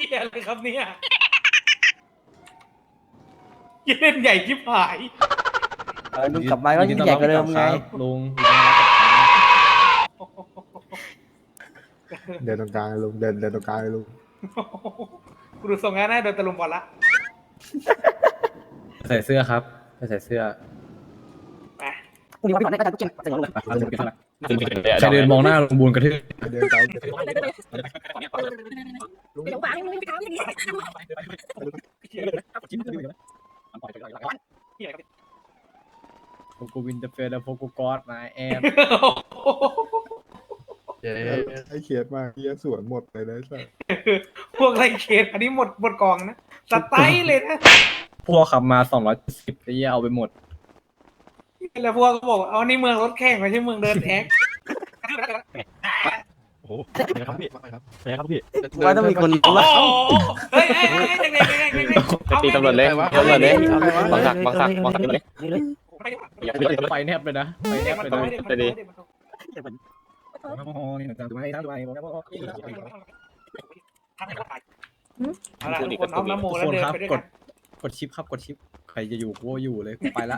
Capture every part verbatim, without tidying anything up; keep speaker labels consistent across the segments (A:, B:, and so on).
A: ยอะไรครับเนี่ยยิ่งเล่นใหญ่ชิบหาย
B: เออลุงกลับมาก็ยิ่งใหญ่กว่าเดิมไง
C: ลุง
D: เดินตรงกลางลุงเดินเดินตรงกลางลุง
A: กูดูทรงงานได้โดนตะลุมบอลละ
C: ใส่เสื้อครับใส่เสื้อ
A: ไป
B: พรุ่งนี้วันพี่ก่อนได้ก็จะทุกเกมใส่หัวลุง
C: ใครเดินมองหน้าลุงบูนกระทืบ
D: เดินไป
B: ลุงเดี๋ยวฟังลุงไปทำอย่างนี้
C: โกโกวินจะเฟรโฟโกกอดมาแอน
D: ไอ้เขียดมากเขียสวนหมดเลยนะสัส
A: พวกไรเคนอันนี้หมดหมดกองนะสไตล์เลยนะ
C: พวกขับมาสองร้อยสิบไอ้เหี้ยเอาไปหมด
A: แล้วพวกก็บอกเอานี่เมืองรถแข่งไม่ใช่เมืองเดินแท็ก
E: โอ้โหเป็นไงครับพี่เป็นไงครับพี่
B: ว่าต้องมีคน
A: โอ้
B: ว่า
A: เฮ้ยเฮ้ยเฮ้ยเด็กเด็กเด็กเด็ก
E: ไปตีตำรวจเลยตำรวจเลยบังคับบังคับบังคับเลย อย่าไปเลย
C: ไปแนบเลยนะไปแนบเลยนะ
E: ไปดิ
A: เอาล่ะทุกคนเอาน้ำโม
C: ทุก
A: แล้ว
C: คน
A: เดิน
C: ครับ
A: ไปด้วย
C: ก
A: กั
C: ด
A: น
C: กดชิปครับกดชิปใครจะอยู่กูอยู่เลยกูไปละ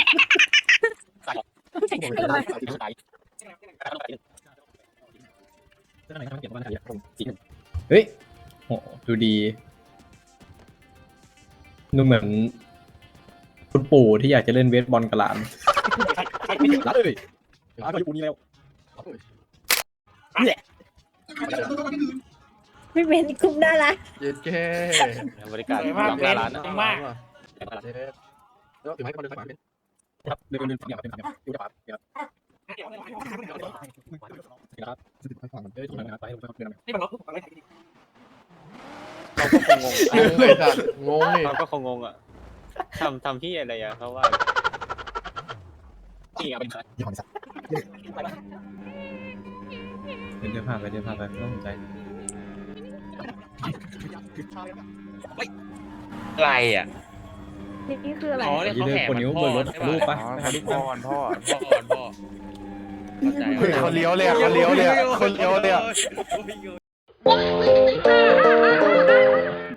C: เฮ้ยโหดูดีดูเหมือนคุณปู่ที่อยากจะเล่นเวทบอลกับหลานรัดเลยรัดก็อยู่นี่แล้ว
F: ไม่เป็นคุ้มน่ารัก
D: เย็ดแค่
E: บริการ
A: สวยมาก
E: หลังห
A: เป็
E: น้าน ร้าน
A: สวยมาก
D: แล้วถึงให้เขาเดินไปเป็น
C: ครับเดินเดินเดินเดินอยู่จะปาเดี๋ยวครับ
D: สิบให้ฟัง
C: เดินถูกนะครับไปถูกนะครับเดิน
A: นี่มันรถทุกคนอะไร
E: เขาก็คงงง
D: เลยจ้ะงงเลย
E: เขาก็คงงงอ่ะทำทำที่อะไรอ่ะเขาว่าจริงอ่ะเป็น
D: ยี่ห้อนี้สัก
C: เดินเดินผ่านไปเดินผ่านไปไม่ต้องสนใจ
E: อะไรอ่ะ
F: นี่คืออะไร
G: อ๋อเนี่ยเขาแห่
C: คน
G: มัน
C: นิ้ว
G: พ่
C: บ
G: อน
C: รถ
G: ใช่
C: รูป
G: ปะ
C: ปะ
G: พ่อพ่อพ่อพ่อเข้าใจ
D: เขาเลี้ยวเลยเขาเลี้ยวเลยคนเลี้ยวเลย
G: โอ้ย